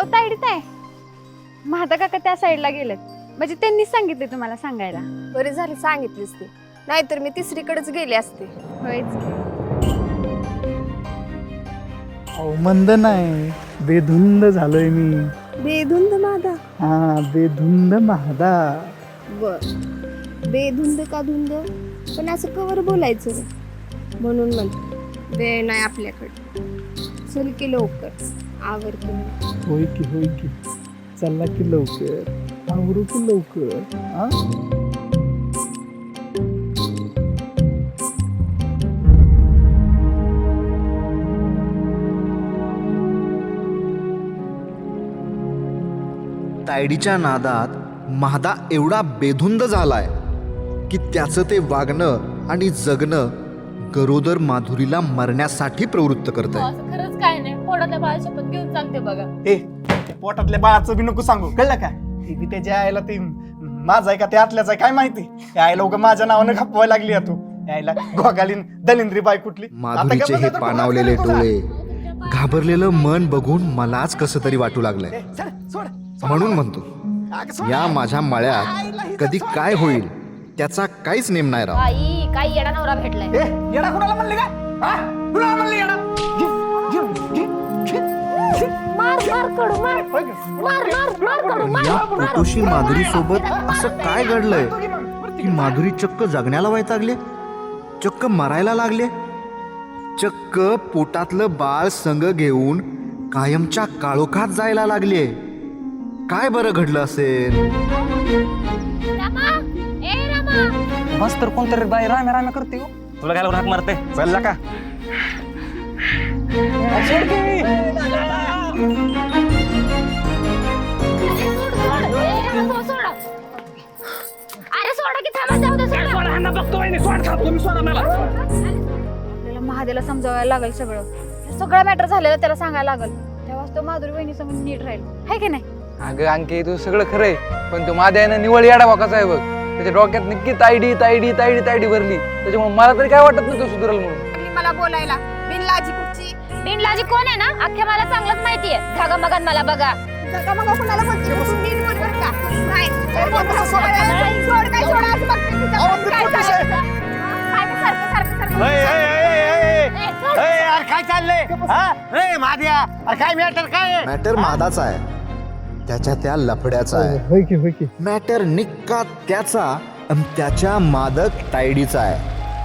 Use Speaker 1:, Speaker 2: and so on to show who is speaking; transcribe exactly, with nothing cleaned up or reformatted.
Speaker 1: तायडीत आहे. महादा काका त्या साईडला गेलेत, म्हणजे त्यांनीच सांगितले तुम्हाला सांगायला.
Speaker 2: बरी झाली सांगितलीस ती, नाहीतर मी तिसरीकडेच गेले असते.
Speaker 1: होयच की.
Speaker 3: अहो मंद नाही, बेधुंद झालोय मी.
Speaker 2: बेधुंद मादा.
Speaker 3: हा बेधुंद महादा.
Speaker 2: बर, बेधुंद का धुंद, पण असं कवर बोलायचं रे. म्हणून म्हणते वेळ नाही आपल्याकडे. चल की लवकर आवर की.
Speaker 3: होय की होय की, चला की लवकर, आवरू की लवकर. हा
Speaker 4: तायडीच्या नादात महादा एवढा बेधुंद झालाय की त्याचं ते वागणं आणि जगणं गरोदर माधुरीला मरण्यासाठी प्रवृत्त करत आहे.
Speaker 5: असं खरंच काय नाही, पोटातल्या बाळा शपथ घेऊन सांगते बघा.
Speaker 6: ए पोटातल्या बाळाचं बी नको सांगू, कळलं का? ती बी त्याच्या आईला ते माझा आहे का ते आतल्याच आहे काय माहिती. त्या आईला उगा माझ्या नावानं खपवायला लागली आहे तू. आईला गोगालीन दलिंद्री बाई कुठली.
Speaker 4: माधुरीचे हे पाणावलेले डोळे, घाबरलेलं मन बघून मलाच कसं तरी वाटू लागलंय. म्हणून म्हणतो या माझ्या मळ्यात कधी काय होईल त्याचा काहीच नेम नाही राव.
Speaker 5: आई काय येडा नवरा भेटलाय.
Speaker 6: येडा कुणाला म्हणले का? हा? कुणाला म्हणले येडा? घे, घे, घे, घे.
Speaker 2: मार मार कडू मार मार मार मार कडू मार.
Speaker 4: या पोटोशी माधुरी सोबत असं काय घडलंय की माधुरी चक्क जगण्याला वैतागले, चक्क मरायला लागले, चक्क पोटातलं बाळ संग घेऊन कायमच्या काळोखात जायला लागले. काय बरं घडलं असेल?
Speaker 7: मस्त तर कोणतरी बाई राम्या राम्या करते हो. तुला काय हाक मारते चल का?
Speaker 5: अरे सोडा की थांबा, जाऊ दे सोडा.
Speaker 1: आपल्याला महादेला समजावायला लागेल सगळं. हे सगळं मॅटर झालेलं त्याला सांगायला लागेल, तेव्हाच तो माधुरी वहिनी समोर नीट राहील, है की नाही?
Speaker 7: अगं अंके तू सगळं खरंय, पण तो माझ्या आईनं निवळ येडा वाकाचा आहे बघ. त्याच्या डोक्यात नक्की तायडी तायडी तायडी तायडी भरली. त्याच्यामुळे मला तरी काय वाटत नाही तो सुधरल म्हणून.
Speaker 2: मला बोलायला बिनलाजी कुठची.
Speaker 5: बिनलाजी कोण आहे ना, अख्ख्या मला चांगलंच माहितीये. जागा बघा मला बघा.
Speaker 2: जगा मग कुणाला बोलते बसून नीट बोल बरं का. नाही तर बोल तसं सोड सोड काय सोडा असं बघते तिचं. काय चाललंय? हा, काय सारखं सारखं सारखं.
Speaker 6: ए, ए, ए, ए, ए, ए, यार काय चाललंय? हा? ए माद्या, अरे काय मॅटर काय आहे?
Speaker 4: मॅटर मादाचा आहे, त्याच्या त्या लफड्याचा आहे.
Speaker 3: होय की होय की.
Speaker 4: मॅटर निक्का त्याचा आणि त्याच्या मादक तायडीचा आहे.